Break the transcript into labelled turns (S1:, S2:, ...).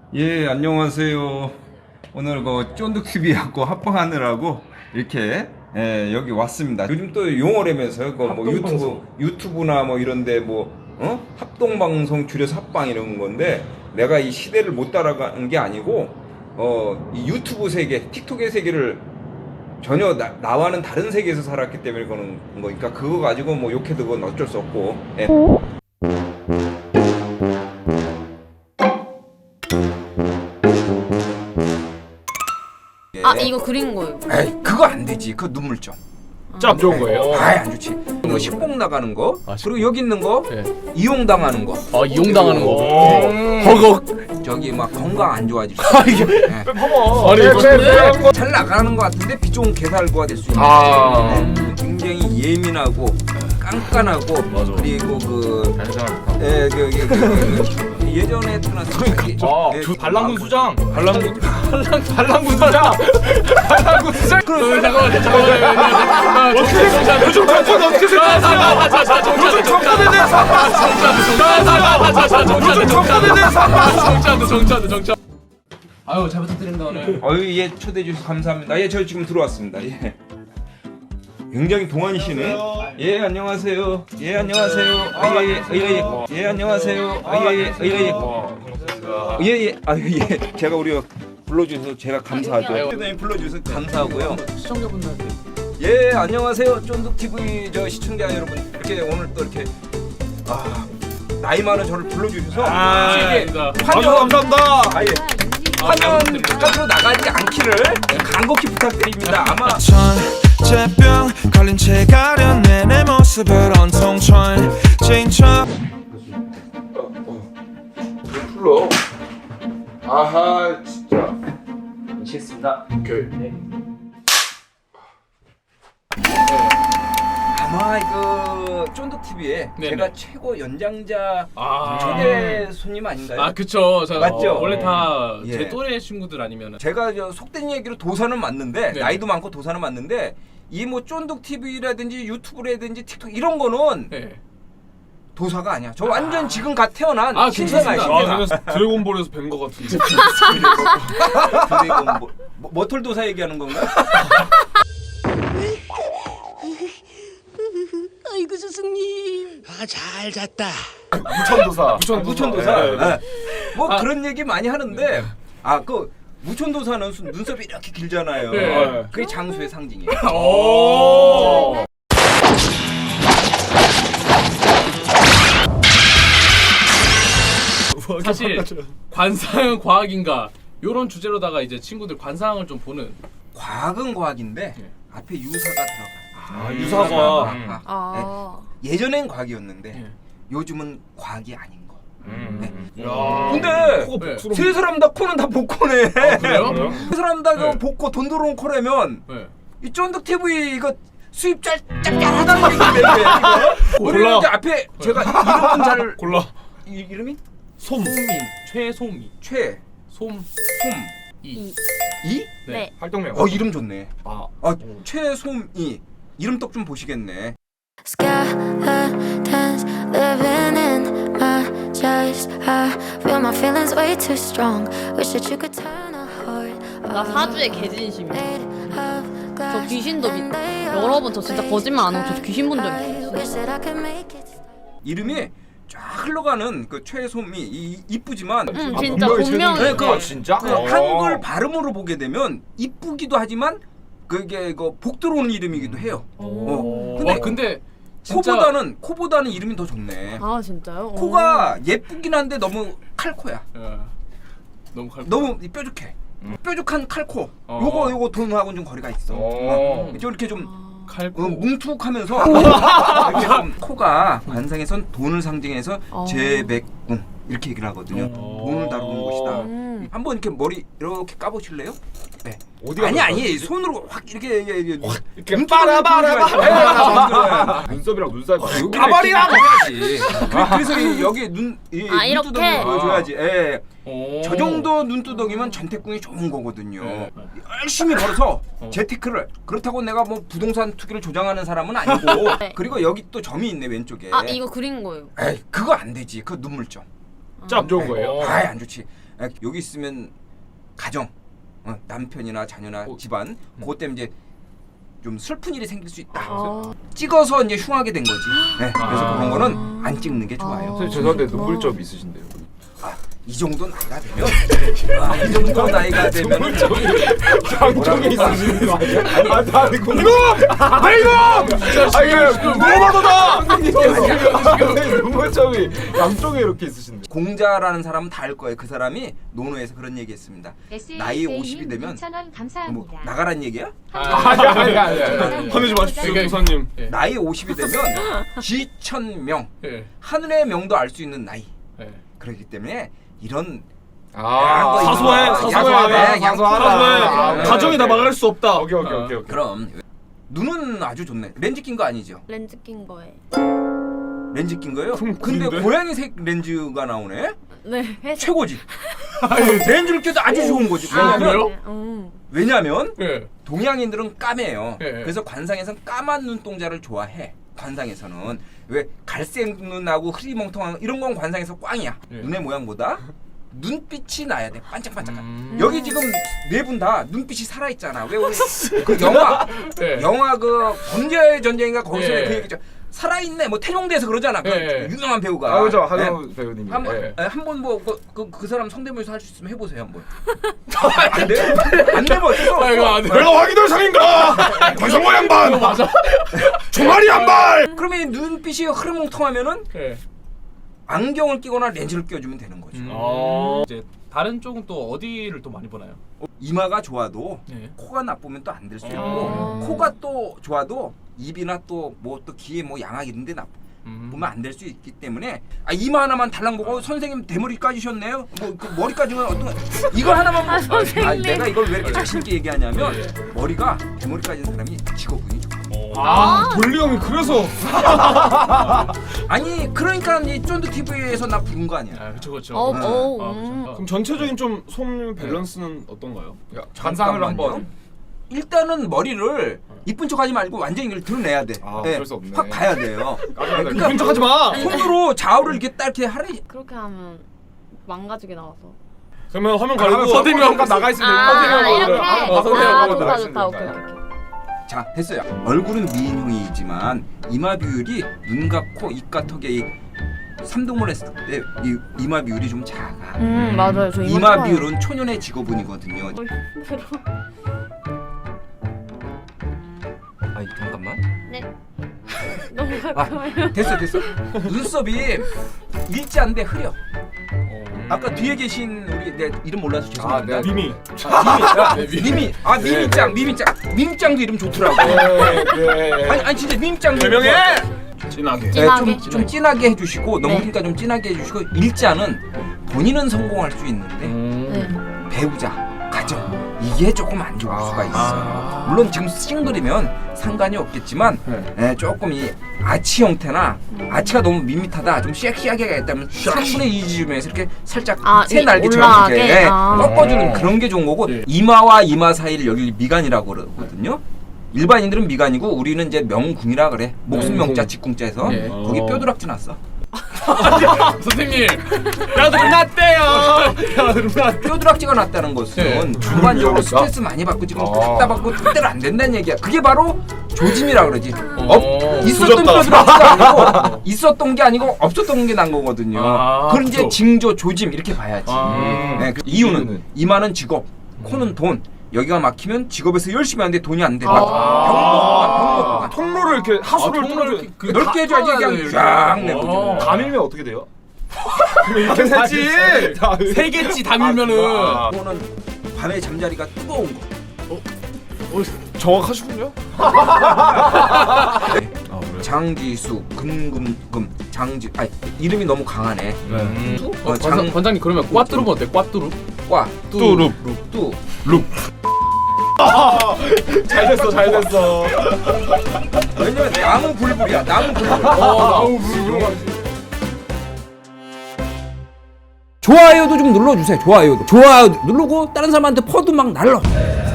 S1: 예, 안녕하세요. 오늘 그 쫀득TV하고 합방하느라고 이렇게 여기 왔습니다. 요즘 또 용어라면서요. 그 뭐 유튜브나 뭐 이런데 뭐 합동방송 줄여서 합방 이런 건데 내가 이 시대를 못 따라가는 게 아니고 이 유튜브 세계, 틱톡의 세계를 전혀 나와는 다른 세계에서 살았기 때문에 그런 거니까 그거 가지고 뭐 욕해도 그건 어쩔 수 없고. 예.
S2: 아 이거 그린 거예요.
S1: 에이, 그거 안 되지. 그거 눈물점.
S3: 좀 좋은 거예요.
S1: 아이, 안 좋지. 뭐 식봉 나가는 거, 그리고 여기 있는 거
S3: 네.
S1: 이용당하는 거.
S3: 이용당하는 거. 허걱.
S1: 저기 막 건강 안 좋아질 수
S3: 아, 이게
S1: 있고.
S3: 아니 이거
S1: 잘 나가는 것 같은데 비 좋은 개살구가 될 수 있는.
S3: 아.
S1: 굉장히 예민하고 깐깐하고
S3: 맞아.
S1: 그리고
S3: 반성합니다.
S1: 예전에 태어났을 때
S3: 반란군 수장. 반란군 수장. 반란군 수장. 잠깐만. 요즘 정권 어떻게 생각하세요? 요즘 정권에 대해서. 정치한다. 아유 잘 부탁드립니다 오늘.
S1: 예, 초대해 주셔서 감사합니다. 예, 저 지금 들어왔습니다. 예. 굉장히 동안이시네. 예, 안녕하세요. 예, 안녕하세요. 예, 안녕하세요. 예. 제가 우리 불러주셔서 제가 감사하죠. 불러주셔서 감사하고요.
S3: 시청자분들한테.
S1: 예, 안녕하세요. 쫀득TV 저 시청자 여러분. 이렇게 오늘 또 이렇게 나이 많은 저를 불러주셔서
S3: 감사합니다.
S1: 화면 바깥으로 나가지 않기를 간곡히 부탁드립니다. 아마
S4: 천재병 걸린 채 가려내 내 모습을 온통 천진척
S1: 불러. 아하, 진짜.
S3: 미치겠습니다. 오케이.
S1: 아마 그 쫀득TV에
S3: 네네.
S1: 제가 최고 연장자
S3: 아.
S1: 초대 손님 아닌가요?
S3: 아 그쵸. 저,
S1: 맞죠?
S3: 원래 다 제
S1: 예.
S3: 또래 친구들 아니면은.
S1: 제가 저 속된 얘기로 도사는 맞는데
S3: 네.
S1: 나이도 많고 도사는 맞는데 이 뭐 쫀득TV라든지 유튜브라든지 틱톡 이런 거는
S3: 네.
S1: 도사가 아니야. 저 완전 지금 갓 태어난
S3: 아
S1: 신생아
S3: 괜찮습니다.
S1: 신생아.
S5: 드래곤볼에서 뵌 거 같은데.
S1: 드래곤 머털 도사 얘기하는 건가?
S2: 아이고 스승님.
S4: 잘 잤다.
S5: 무천도사.
S1: 무천도사.
S5: 네.
S1: 네. 뭐 그런 얘기 많이 하는데 그 무천도사는 눈썹이 이렇게 길잖아요.
S3: 네.
S1: 그게 장수의 상징이에요.
S3: 오. 사실 관상은 과학인가 요런 주제로다가 이제 친구들 관상을 좀 보는.
S1: 과학은 과학인데
S3: 네.
S1: 앞에 유사가 들어가.
S5: 유사과.
S2: 아.
S1: 예전엔 과학이었는데
S3: 네.
S1: 요즘은 과학이 아닌 거.
S5: 야.
S1: 근데
S3: 코가 복스러운.
S1: 세 사람 다 코는 다 복코네.
S3: 그래요?
S1: 세 사람 다
S3: 네.
S1: 복코 돈 들어온 코라면
S3: 네.
S1: 이 쫀득TV 이거 수입 짭짤하다는 얘기인데 이거. 우리 이제 앞에 제가 이름은 잘
S5: 골라.
S1: 이름이
S3: 솜. 최솜이. 솜. 이.
S1: 이?
S2: 네.
S5: 활동명.
S1: 이름 좋네.
S5: 아.
S1: 최솜이 이름 떡 좀 보시겠네.
S6: Skeletons living in my chest. I feel my feelings way too strong. Wish that you could turn a heart.
S2: 나 사주의 개진심이야.
S6: Made of glass.
S2: 저 귀신도
S6: And they
S2: 여러 번 저 진짜 거짓말 안 하고 저 귀신 본 적
S6: I
S2: 있어요.
S6: wish that I could make it.
S1: 이름이 쫙 흘러가는 그 최솜이 이쁘지만
S2: 진짜
S5: 분명히
S2: 분명히.
S1: 네, 그-
S5: 아 진짜?
S1: 그 한글 발음으로 보게 되면 이쁘기도 하지만 그게 복 들어오는 이름이기도 해요. 근데
S3: 근데 진짜
S1: 코보다는 이름이 더 좋네.
S2: 아 진짜요?
S1: 코가 예쁘긴 한데 너무 칼코야.
S3: 야, 너무 칼.
S1: 너무 뾰족해. 뾰족한 칼코. 요거 돈하고는 좀 거리가 있어. 좀 이렇게 좀
S3: 칼코.
S1: 뭉툭하면서 이렇게 좀 코가 관상에선 돈을 상징해서 재백궁 이렇게 얘기를 하거든요. 돈을 다루는 곳이다. 한번 이렇게 머리 이렇게 까보실래요? 네.
S5: 어디가
S1: 아니 손으로 확 이렇게
S5: 이렇게 빠라바라바. 눈썹이랑 눈살.
S1: 까버리라고 해야지. 그래서 여기
S2: 이렇게?
S1: 눈두덩이 보여줘야지. 예.
S3: 오.
S1: 저 정도 눈두덩이면 전태궁이 좋은 거거든요.
S3: 네.
S1: 열심히 벌어서 재테크를. 그렇다고 내가 뭐 부동산 투기를 조장하는 사람은 아니고.
S2: 네.
S1: 그리고 여기 또 점이 있네 왼쪽에.
S2: 아 이거 그린 거예요.
S1: 에이, 그거 안 되지. 그거 눈물점.
S5: 짭 좋은 거예요.
S1: 아이, 안 좋지. 여기 있으면 가정, 남편이나 자녀나 집안 그것 때문에 이제 좀 슬픈 일이 생길 수 있다. 찍어서 이제 흉하게 된 거지. 네, 그래서 그런 거는 안 찍는 게 좋아요.
S5: 선생님 죄송한데 눈물점 있으신데요.
S1: 이 정도 나이가 되면 이 정도 나이가 되면
S5: 양쪽에 있으시는 거 아니야? 나 이거 뭐라도 다! 선생님 눈물점이 양쪽에 이렇게 있으신데.
S1: 공자라는 사람은 다 알 거예요. 그 사람이 논어에서 그런 얘기했습니다. 나이 50이 되면
S7: 2,000원 감사합니다.
S1: 뭐 나가란 얘기야?
S5: 아니. 화내지 마십시오, 조사님.
S1: 나이 50이 되면 지천명
S3: 예.
S1: 하늘의 명도 알 수 있는 나이.
S3: 예.
S1: 그렇기 때문에 이런
S5: 사소해. 가정이 다 막을 수 없다. 오케이.
S1: 그럼 눈은 아주 좋네. 렌즈 낀 거 아니죠?
S2: 렌즈 낀 거에.
S1: 렌즈 낀 거예요? 근데
S5: 구린데?
S1: 고양이색 렌즈가 나오네?
S2: 네, 회색.
S1: 최고지. 렌즈를 껴도 아주 좋은 거지.
S3: 그래요?
S1: 왜냐면
S3: 예.
S1: 동양인들은 까매요.
S3: 예.
S1: 그래서 관상에서는 까만 눈동자를 좋아해. 관상에서는 왜 갈색 눈하고 흐리멍텅한 이런 건 관상에서 꽝이야.
S3: 예.
S1: 눈의 모양보다 눈빛이 나야 돼. 반짝반짝한. 여기 지금 네 분 다 눈빛이 살아 있잖아. 왜 우리 그
S3: 예.
S1: 영화 그 범죄의 전쟁인가 거기서
S3: 예.
S1: 그 얘기죠. 살아있네. 뭐 태종대에서 그러잖아. 그
S3: 예.
S1: 유명한 배우가.
S5: 그죠.
S1: 네.
S5: 하정우 배우님이.
S1: 한번 뭐 그 사람 성대모사 할 수 있으면 해보세요 한번. 안 돼? 안 되면 어쩌고?
S3: 아, 이거 안 돼.
S5: 내가 확인할 상인가? 관성모 양반.
S3: 맞아.
S5: 종아리 한 발.
S1: 그러면 이 눈빛이 흐르멍텅하면은
S3: 예.
S1: 안경을 끼거나 렌즈를 껴주면 되는 거죠.
S3: 이제 다른 쪽은 또 어디를 또 많이 보나요?
S1: 이마가 좋아도
S3: 예.
S1: 코가 나쁘면 또 안 될 수 있고 코가 또 좋아도 입이나 또 뭐 또 귀에 뭐 양악 이런 데 보면 안 될 수 있기 때문에 이마 하나만 달랑 보고 선생님 대머리 까지셨네요. 뭐 그 머리 까지면 어떤 이거 하나만 보고
S2: 선생님.
S1: 내가 이걸 왜 이렇게 자신 있게 얘기하냐면 머리가 대머리 까진 사람이 직업운이 좋아.
S5: 돌리 형이 그래서
S1: 아니 그러니까 이 쫀득 TV에서 나 부른 거 아니야.
S3: 아, 그렇죠.
S5: 그럼 전체적인 좀 솜 밸런스는 어떤가요?
S1: 관상을 한번 일단은 머리를 이쁜 척하지 말고 완전히 이걸 드러내야 돼.
S5: 어쩔 수 없네.
S1: 확 가야 돼요.
S5: 이쁜 척하지 마.
S1: 손으로 좌우를 이렇게 딱 이렇게 하래.
S2: 그렇게 하면 망가지게 나와서.
S5: 그러면 화면 가리고
S3: 선생님 한번
S5: 나가 있으면
S2: 이렇게.
S5: 선생님
S2: 좋다 좋다. 오케이.
S1: 자 됐어요. 얼굴은 미인형이지만 이마 비율이 눈과 코, 입과 턱의 이 삼동물 했을 때 이 이마 비율이 좀 작아.
S2: 맞아요. 저
S1: 이마 비율은 초년의 직업운이거든요. 잠깐만.
S2: 네. 너무 가까워요.
S1: 됐어. 눈썹이 일자인데 흐려. 아까 뒤에 계신 우리 내 이름 몰라서 죄송합니다.
S5: 미미.
S1: 미미짱도 이름 좋더라고. 아니 진짜 미미짱도
S5: 개명해.
S1: 진하게.
S2: 진하게?
S1: 좀 진하게 해주시고 너무 그러니까 좀 진하게 해주시고 일자는 본인은 성공할 수 있는데
S2: 네.
S1: 배우자, 가정 이게 조금 안 좋을 수가 있어요. 물론 지금 싱글이면 상관이 없겠지만 조금 이 아치 형태나 아치가 너무 밋밋하다 좀 섹시하게 가겠다면 3분의 2쯤에서 이렇게 살짝 새 날개처럼 이렇게 꺾어주는 그런 게 좋은 거고 이마와 이마 사이를 여기 미간이라고 그러거든요. 일반인들은 미간이고 우리는 이제 명궁이라 그래. 목숨 명자 직궁자에서 거기 뼈두락지 났어.
S3: 선생님, 야들 났대요.
S1: 뼈두락지가 났다는 것은 주관적으로 스트레스 많이 받고 지금 답답하고 뜻대로 안 된다는 얘기야. 그게 바로 조짐이라 그러지. 있었던 뼈두락지가 아니고 있었던 게 아니고 없었던 게 난 거거든요. 그걸 이제 징조, 조짐 이렇게 봐야지. 네, 그 이유는 이마는 직업, 코는 돈. 여기가 막히면 직업에서 열심히 하는데 돈이 안 돼. 병목.
S5: 통로를 이렇게 하수를 뚫어줘.
S1: 넓게 해줘야지 그냥 쫙 내고.
S5: 다 밀면 어떻게 돼요? 이렇게 되지.
S3: 세 개치 다 밀면은
S1: 이거는 밤에 잠자리가 뜨거운 거.
S5: 정확하시군요.
S1: 장지수, 금금금, 장지. 이름이 너무 강하네.
S3: 관장님 그러면 꽈뚜루면 어때? 꽈뚜루?
S1: 뚜룹.
S5: 잘 됐어.
S1: 왜냐면 나무 불불이야. 나무 불불. 좋아요도 좀 눌러주세요. 좋아요 누르고 다른 사람한테 퍼도 막 날러.